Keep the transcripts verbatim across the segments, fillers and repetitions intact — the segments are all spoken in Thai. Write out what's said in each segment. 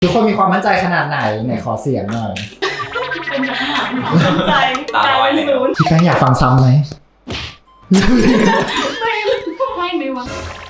ทุกคนมีความมั่นใจขนาดไหนไหนขอเสียงหน่อยเป็นขนาดมั่นใจตาลอยเลยพี่แป้งอยากฟังซ้ำไหมไม่ไม่ไม่วะ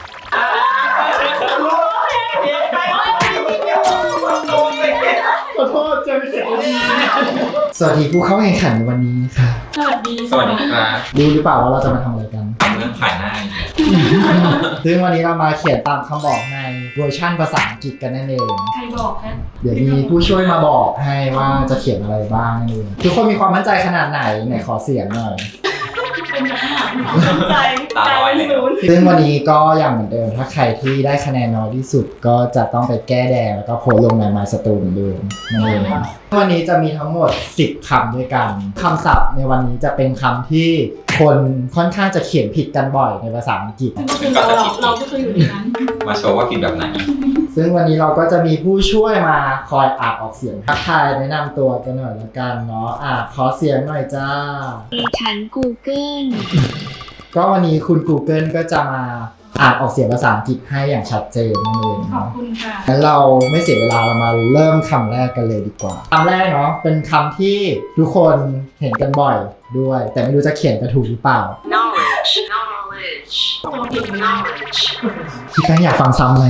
ขอโทษเจอเสียงดีสวัสดีผู้เข้าแข่งขันในวันนี้ค่ะสวัสดีสวัสดีครับรู้หรือเปล่าว่าเราจะมาทำอะไรกันทำเรื่องขายหน้าซึ่งวันนี้เรามาเขียนตามคำบอกในเวอร์ชั่นภาษาอังกฤษกันนั่นเองใครบอกคะเดี๋ยวมีผู้ช่วยมาบอกให้ว่าจะเขียนอะไรบ้างนี่ทุกคนมีความมั่นใจขนาดไหนไหนขอเสียงหน่อยเป็นขนาดมั่นใจตาลอยเลยซึ่งวันนี้ก็อย่างเหมือนเดิมถ้าใครที่ได้คะแนนน้อยที่สุดก็จะต้องไปแก้แดงแล้วก็โพสลงใน My Story เหมือนเดิมนั่นเองวันนี้จะมีทั้งหมดสิบคำด้วยกันคำศัพท์ในวันนี้จะเป็นคำที่คนค่อนข้างจะเขียนผิดกันบ่อยในภาษาอังกฤษก็คือเราเราก็คืออยู่ในนั้นมาโชว์ว่าผิดแบบไหนซึ่งวันนี้เราก็จะมีผู้ช่วยมาคอยอ่านออกเสียงทักทายแนะนำตัวกันหน่อยละกันเนาะอ่ะขอเสียงหน่อยจ้าดิฉัน Google ก็วันนี้คุณ Google ก็จะมาอ่านออกเสียงภาษาอังกฤษให้อย่างชัดเจนนั่นเองขอบคุณค่ะงั้นเราไม่เสียเวลาเรามาเริ่มคำแรกกันเลยดีกว่าคำแรกเนาะเป็นคำที่ทุกคนเห็นกันบ่อยด้วยแต่ไม่รู้จะเขียนกระถูกหรือเปล่า knowledge knowledge knowledge พี่แป้งอยากฟังซ้ำไหม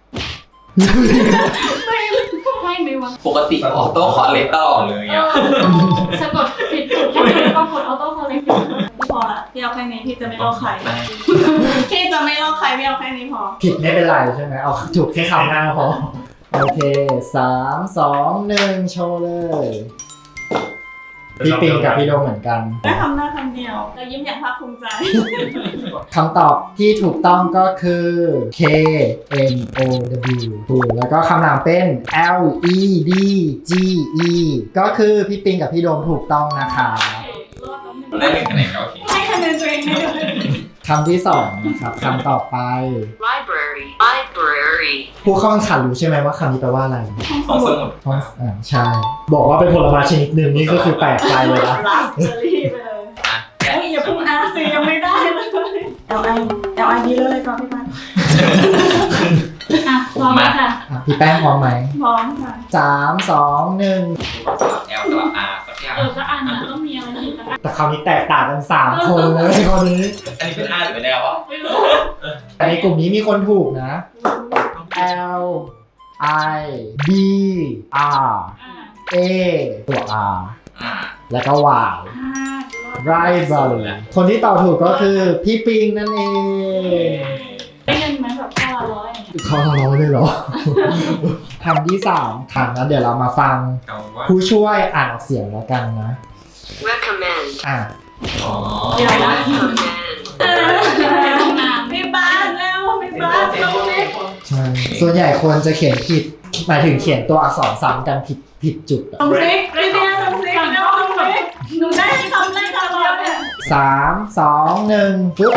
ไม่ไม่ไม่วะปกติออโต้คอร์เรคตลอดเลยอ่ะสะกดผิดถูกแค่ไหนก็กดออโต้คอร์เรคพอละพี่เอาแค่นี้พี่จะไม่ลอกใครพี่จะไม่ลอกใครพี่เอาแค่นี้พอผิดไม่เป็นไรใช่ไหมเอาถูกแค่คำหน้าพอโอเคสามสองหนึ่งโชว์เลยพี่ปิงกับพี่โดมเหมือนกันได้คำหน้าคำเดียวเรายิ้มอย่างภาคภูมิใจคำตอบที่ถูกต้องก็คือ K N O W ถูกแล้วก็คำนามเป็น L E D G E ก็คือพี่ปิงกับพี่โดมถูกต้องนะคะได้หนึ่งคะแนนโอเคให้คะแนนตัวเองได้เลยคำที่สองนะครับคำต่อไป library library ผู้เข้าแข่งขันรู้ใช่ไหมว่าคำนี้แปลว่าอะไรห้องสมุดห้องอ่าใช่บอกว่าเป็นผลไม้ชนิดหนึ่งนี่ก็คือแปลกใจเลยนะลาสเบอร์รี่ไปเลยเฮ้ยอย่าพุ่งอาร์ซียังไม่ได้เลยเอลไอเอลไอดีเลยก่อนพี่ปันอ่ะพร้อมค่ะพี่แป้งพร้อมไหมพร้อมค่ะสามสองหนึ่งแอลสลับอาร์สักอย่างเออก็อ่านนะต้องมีอะไรอีกแต่คราวนี้แตกต่างกันสามคนเลยคนนี้อันนี้เป็นอาร์หรือเป็นแอลวะไม่รู้แต่ในกลุ่มนี้มีคนถูกนะ L I B R A ตัว R แล้วก็ Y Library คนที่ตอบถูกก็คือพี่ปิงนั่นเองได้เงินไหมแบบข้อละร้อยข้อละร้อยเลยเหรอคำที่สามคำนั้นเดี๋ยวเรามาฟังผู้ช่วยอ่านออกเสียงแล้วกันนะ recommend อ่ะอ๋อเดี๋ยวนะไม่บ้านแล้วไม่บ้านตรงนี้ใช่ส่วนใหญ่คนจะเขียนผิดหมายถึงเขียนตัวอักษรซ้ำกันผิดผิดจุดตรงซิกไม่ได้ตรงซิกนะตรงซิกหนูได้ทำได้ตลอดเนี่ยสามสองหนึ่งปุ๊บ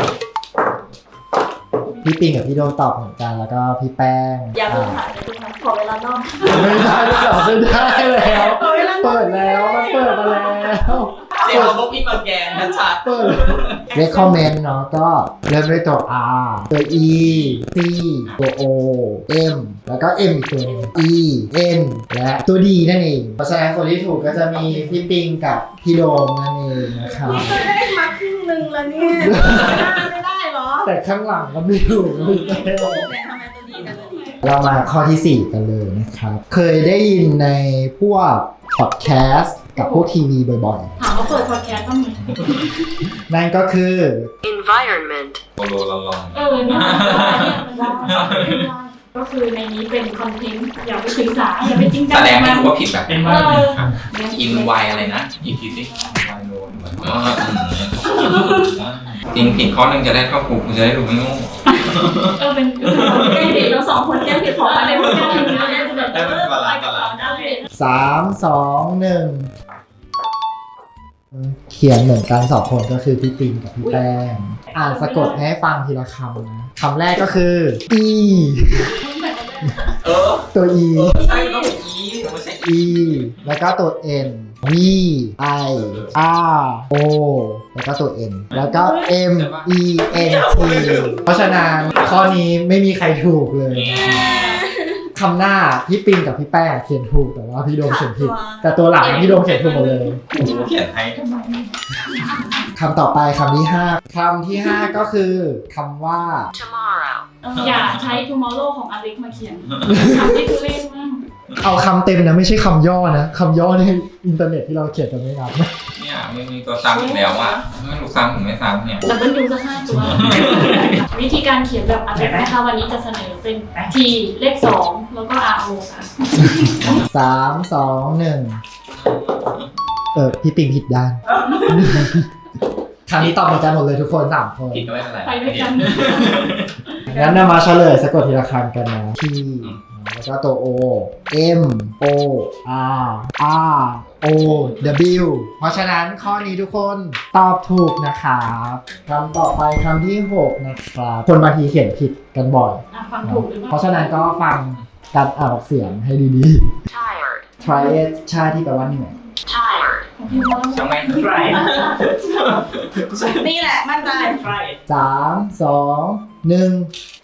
พี่ปิงกับพี่โดมตอบเหมือนกันแล้วก็พี่แป้งอย่าเพิ่งถ่ายอย่าเพิ่งถ่ายขอเวลานอกไม่ได้ไม่ได้ไม่ได้แล้วเปิดแล้วมันเปิดมาแล้วเสียงของพวกพี่มาแกนนะชัดเปิด recommend เนาะก็เริ่มด้วยตัว R ตัว E C ตัว O M แล้วก็ M อีกตัวนึง E N และตัว D นั่นเองเพราะฉะนั้นคนที่ถูกก็จะมีพี่ปิงกับพี่โดมนั่นเองนะครับนี่ก็ได้มาครึ่งนึงแล้วเนี่ยไม่ได้หรอแต่ข้างหลังก็ไม่ถูกไม่ได้แต่ทำไมตัวดีนะตัวดีเรามาข้อที่สี่กันเลยนะครับเคยได้ยินในพวกพอดแคสต์กับพวกทีวีบ่อยๆถามว่าเปิดพอดแคสต์บ้างไหมนั่นก็คือ environment โลลองเออเนี่ยมันได้ก็คือในนี้เป็นคอนเทนต์อย่าไปศึกษาอย่าไปจริงจังแสดงให้รู้ว่าผิดแบบอินไวอะไรนะอีกทีสิไวโลนจริงผิดข้อนึงจะได้เข้าคุกคุณจะได้รู้ไม่งูเออเป็นแก้ผิดเราสองคนแก้ผิดของอะไรพวกนี้เราเนี่ยจะแบบเออไปกับเราได้สามสองหนึ่งเขียนเหมือนกันสองคนก็คือพี่ปิงกับพี่แป้งอ่านสะกดให้ฟังทีละคำนะคำแรกก็คือ E เออตัว E ใช่ต้อง E ไม่ใช่ E แล้วก็ตัว N V I R O แล้วก็ตัว N แล้วก็ M E N T เพราะฉะนั้นข้อนี้ไม่มีใครถูกเลยคคำหน้าพี่ปิงกับพี่แป้งเขียนถูกแต่ว่าพี่โดมเขียนผิด แต่ตัวหลังพี่โดมเขียนถูกหมดเลยเขียนให้ทำไมคำต่อไปคำที่ห้าคำที่ห้าก็คือคำว่า Tomorrow. อย่าใช้ tomorrow ของอเล็กมาเขียนคำที่ทุเรศมากเอาคำเต็มนะไม่ใช่คำย่อนะคำย่อในอินเทอร์เน็ตที่เราเขียนกันไม่นับเนี่ยไม่มีตัวซ้ำอีกแล้วอ่ะไม่รู้ซ้ำหรือไม่ซ้ำเนี่ยดับเบิลยูสักห้าตัว วิธีการเขียนแบบอเล็กนะคะวันนี้จะเสนอเป็น T เลขสองแล้วก็ R O ค่ะสามสองหนึ่งเออพี่ปิงผิดด้าน คราวนี้ตอบเหมือนกันหมดเลยทุกคนสามคนผิดก็ไม่เป็นไรไปด้วยกันงั้นนำมาเฉลยสะกดทีละคำกันนะ T แล้วก็ตัว O M O R R O W เพราะฉะนั้นข้อนี้ทุกคนตอบถูกนะครับคำต่อไปคำที่หกนะครับคนบางทีเขียนผิดกันบ่อยอ่ะฟังถูกหรือเปเพล่าราะฉะนั้นก็ฟังการอ่านออกเสียงให้ดี Tired. ๆ try it ชาที่แปลว่าเหนื่อย Tired. ของพี่ว่าช่างแม่งนี่แหละมั่นใจสามสองหนึ่ง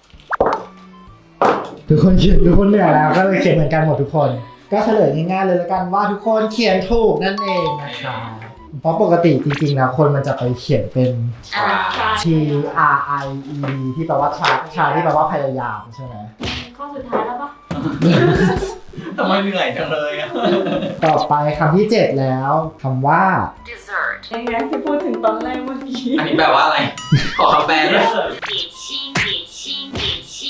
ทุกคนเขียนทุกคนเหนื่อยแล้วก็เลยเขียนเหมือนกันหมดทุกคน ก็เฉลยง่ายๆเลยแล้วกันว่าทุกคนเขียนถูกนั่นเองนะคะเพราะปกติจริงๆแล้วคนมันจะไปเขียนเป็น T R I E D ที่แปลว่าชาชาที่แปลว่าพยายามใช่ไหมข้อสุดท้ายแล้วปะทำไมเหนื่อยจังเลยอ่ะต่อไปคำที่เจ็ดแล้วคำว่า Dessert. ยังไงที่พูดถึงตอนแรกเมื่อกี้อันนี้แปลว่าอะไร ขอคำแปลด้วย点心，点心，点心。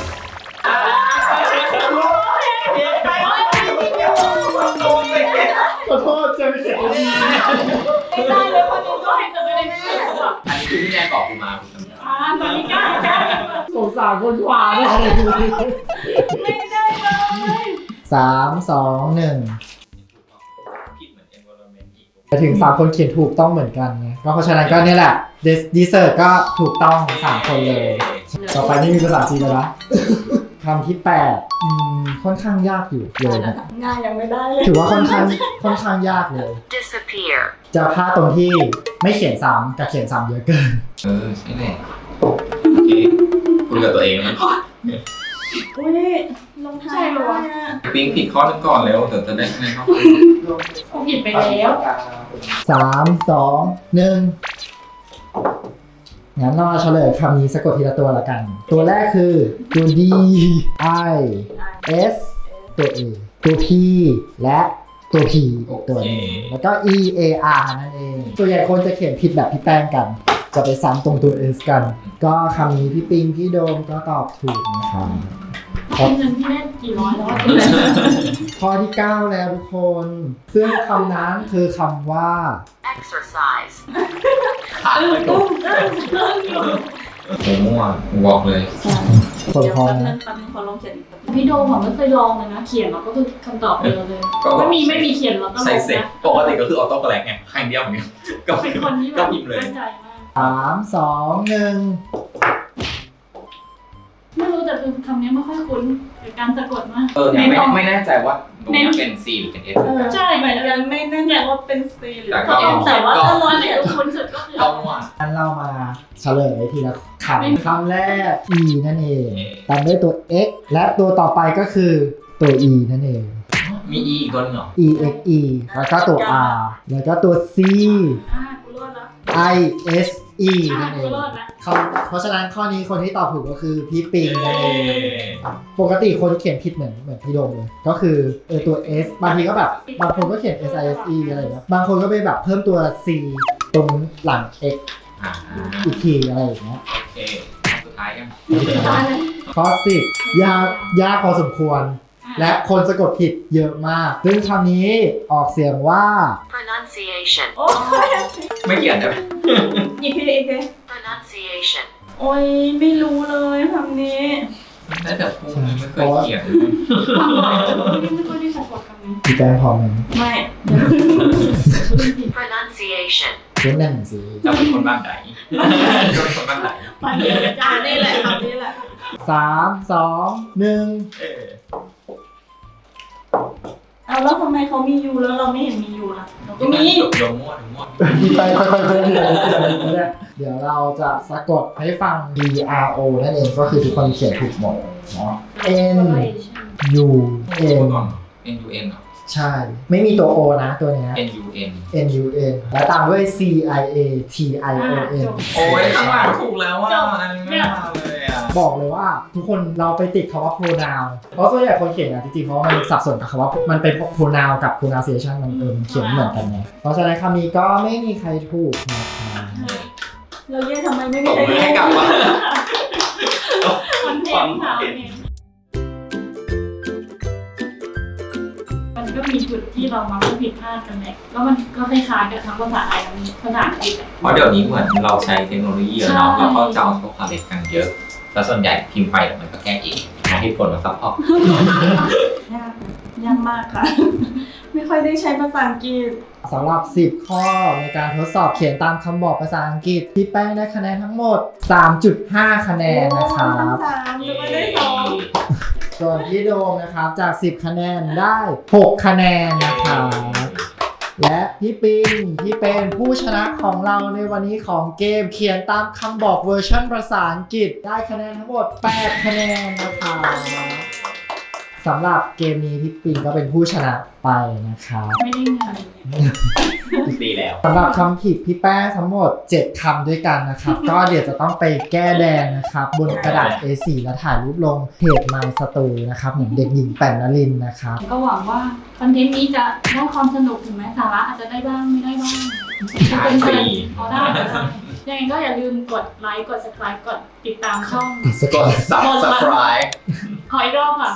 ขอโทษจะไม่เขียนดีไม่ได้เลยคนนี้ก็ให้เกิดไปเลยแม่อันนี้คือพี่แนนบอกกูมาคุณจำได้อ่าตอนนี้กล้าใกล้สงสารคนขวาเลยไม่ได้เลยสามสองหนึ่งผิดเหมือน environment อีกแต่ถึงสามคนเขียนถูกต้องเหมือนกันไงก็เพราะฉะนั้นก็เนี่ยแหละดีเซอร์ก็ถูกต้องสามคนเลย ต่อไปนี่มีภาษาจีนแล้วนะ คำที่แปดอืมค่อนข้างยากอยู่เลยนะง่ายยังไม่ได้เลยถือว่าค่อนข้างค่อนข้างยากเลย Disappear. จะพลาดตรงที่ไม่เขียนซ้ำกับเขียนซ้ำเยอะเกินเออใช่แหละโอเคคุยกับตัวเองนะอุ้ยลงท้ายเลยวะปิ๊งผิดข้อหนึงก่อนแล้วเดี๋ยวจะได้คะแนนเท่ากันผมผิดไปแล้วสามสองหนึ่งงั้นเรามาเฉลยคำนี้สะกดทีละตัวละกัน ตัวแรกคือตัว D I S ตัว A ตัว P และตัว P อีกตัวหนึงแล้วก็ E A R นั่นเองส่วนใหญ่คนจะเขียนผิดแบบพี่แป้งกัน จะไปซ้ำตรงตัว S กัน ก็คำนี้พี่ปิงพี่โดมก็ตอบถูกนะครับเงินพี่ได้กี่ร้อยแล้วอะข้อที่เก้าแล้วทุกคน ซึ่งคำนั้นคือคำว่า Exercise. ขาดไปก่อนโอ้โหมั่วกูบอกเลยคนเดี๋ยวพร้อมแป๊บนึนะงแป๊บนึงขอลองเขียนอีกแป๊บนึงพี่โดมผมไม่เคยลองเลยนะ เขียนแล้วก็คือคำตอบเดียวเลยก็ไม่มีไม่มีเขียนแล้วก็ลใส่งเสร็จนะปกติก็คือออโต้กระแลกไงครั้งเดียวเหมือนกันก็เป็นคนที่แบก็บพิมพ์เลยมั่นใจมากสามสองหนึ่งไม่รู้แต่คือคำนี้ไม่ค่อยคุ้นกับการสะกดมากเออเนี่ยไม่ในตอนไม่แน่ใจว่าตรงนี้เป็น C หรือเป็น S เหมือนกันใช่เหมือนกันไม่แน่ใจว่าเป็นซีหรือแต่ก็แต่ว่าก็ถ้าร้อนเนี่ยคุ้นสุดก็คือเอามั่วงั้นเรามาเฉลยทีละคำคำแรก E นั่นเองตามด้วยตัว X และตัวต่อไปก็คือตัว E นั่นเองมี E อีกตัวหนึงเหรอ E X E แล้วก็ตัว R แล้วก็ตัว C อ่ากูรอดแล้ว I S E อ่านั่นเอกูงรอดแล้วคำเพราะฉะนั้นข้อนี้คนที่ตอบถูกก็คือพี่ปิงนั่นเอง ปกติคนเขียนผิดเหมือนเหมือนพี่โดมเลย ก็คือเออตัว S บางทีก็แบบบางคนก็เขียน S I S E อะไรอย่างเงี้ยบางคนก็ไปแบบเพิ่มตัว C ตรงหลัง X อ่าอีกทีอะไรอย่างเงี้ยโอเคข้อสุดท้ายกันตายเลยข้อสิบยากยากพอสมควร และคนสะกดผิดเยอะมาก ซึ่งคำนี้ออกเสียงว่า Pronunciation. โอ้ยไม่เขียนได้ไหมอีกทีอีกที Pronunciation. โอ้ยไม่รู้เลยคำนี้ได้แต่พูดไม่เคยเขียนทำบ่อยแต่ว่าไม่ค่อยได้สะกดคำนี้พี่แป้งพร้อมไหมไม่ Pronunciation. เล่นหนังสือเราเป็นคนบ้านไหนเราเป็นคนบ้านไหนไปเลยจ้านี่แหละคำนี้แหละสามสองหนึ่งเออเอาแล้วทำไมเขามียูแล้วเราไม่เห็นมียูล่ะเราก็มีดมดมมั่วดมมั่วพี่แป้งค่อยๆเพิ่มเลยเดี๋ยวเราจะสะกดให้ฟัง D R O นั่นเองก็คือทุกคนเขียนถูกหมดเนาะ N U พู N ดก่อน N U N เหรอใช่ ไม่มีตัว O นะตัวเนี้ย N U N N U N และตามด้วย C I A T I O N โอ้ยข้างหลังถูกแล้วว่าอันนี้ไม่มาเลยอ่ะบอกเลยว่าทุกคนเราไปติดคำว่า pronoun เพราะส่วนใหญ่คนเขียนอ่ะจริงๆเพราะว่ามันสับสนกับคำว่ามันเป็น pronoun กับ pronunciation มันเอิมเขียนเหมือนกันไงเพราะฉะนั้นคำนี้ก็ไม่มีใครถูกนะครับเราเย่ทำไมไม่มีตบใครมือให้กลับว่ามันเทนค่ะมันก็มีจุดที่เรามักจะผิดพลาดกันแหละแล้วมันก็คล้ายๆกับทั้งภาษาไทยและภาษาอังกฤษเพราะเดี๋ยวนี้เหมือนเราใช้เทคโนโลยีเนาะเราก็จะเอาตัวคาเล็กกันเยอะ แล้วส่วนใหญ่พิมพ์ไปมันก็แก้เองหาเหตุผลมาซัพพอร์ตยากยากมากค่ะ ไม่ค่อยได้ใช้ภาษาอังกฤษสำหรับสิบข้อในการทดสอบเขียนตามคำบอกภาษาอังกฤษพี่แป้งได้คะแนนทั้งหมด สามจุดห้า คะแนนนะครับสามหรือว่าได้สองส่วนพี่โดมนะครับจากสิบคะแนนได้หกคะแนนนะครับและพี่ปิงที่เป็นผู้ชนะของเราในวันนี้ของเกมเขียนตามคำบอกเวอร์ชันภาษาอังกฤษได้คะแนนทั้งหมดแปดคะแนนนะครับสำหรับเกมนี้พี่ปิงก็เป็นผู้ชนะไปนะครับไม่ได้เงินดีแล้วสำหรับคำผิดพี่แป้งทั้งหมดเจ็ดคำด้วยกันนะครับ ก็เดี๋ยวจะต้องไปแก้แดงนะครับบนกระดาษ เอ โฟร์ แล้วถ่ายรูปลงเพจ My Story นะครับเหมือนเด็กหญิงแป่นนลินนะครับก็หวังว่าคอนเทนต์นี้จะได้ความสนุกถึงแม้สาระอาจจะได้บ้างไม่ได้บ้างจะเป็นฟรีอ๋อได้ยังไงก็อย่าลืมกดไลค์กด subscribe กดติดตามช่องกด subscribe ขออีกรอบค่ะ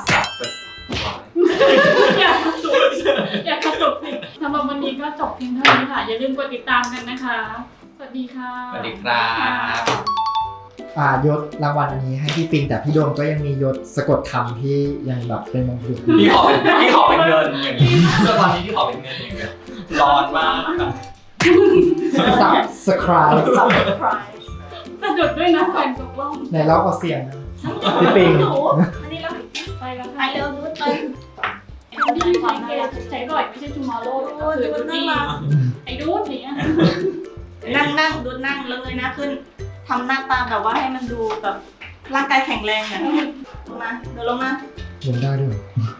อยากกระตุกอยากกระตุกสิสำหรับวันนี้ก็จบเพียงเท่านี้ค่ะ อย่าลืมกดติดตามกันนะคะ สวัสดีค่ะสวัสดีครับอ่ายศรางวัลอันนี้ให้พี่ปิงแต่พี่โดมก็ยังมียศสะกดคำที่ยังแบบเป็นมงกุฎพี่ขอเป็นพี่ขอเป็นเงินอย่างนี้แล้วตอนนี้พี่ขอเป็นเงินอย่างเงี้ยร้อนมากครับ subscribe สะดุดด้วยนะแฟนตกล่องในเล่าเอาเสียงนะพี่ปิงอันนี้เราไปแล้วค่ะไปเร็วดูดไปดีความน่ารักใช้บ่อยไม่ใช่ tomorrow ก็คือดูดีไอ้ดูดเนี่ยนั่งนั่งดูนั่งเลยนะขึ้นทำหน้าตาแบบว่าให้มันดูแบบร่างกายแข็งแรงอ่ะลงมาเดี๋ยวลงมาลงได้ด้วย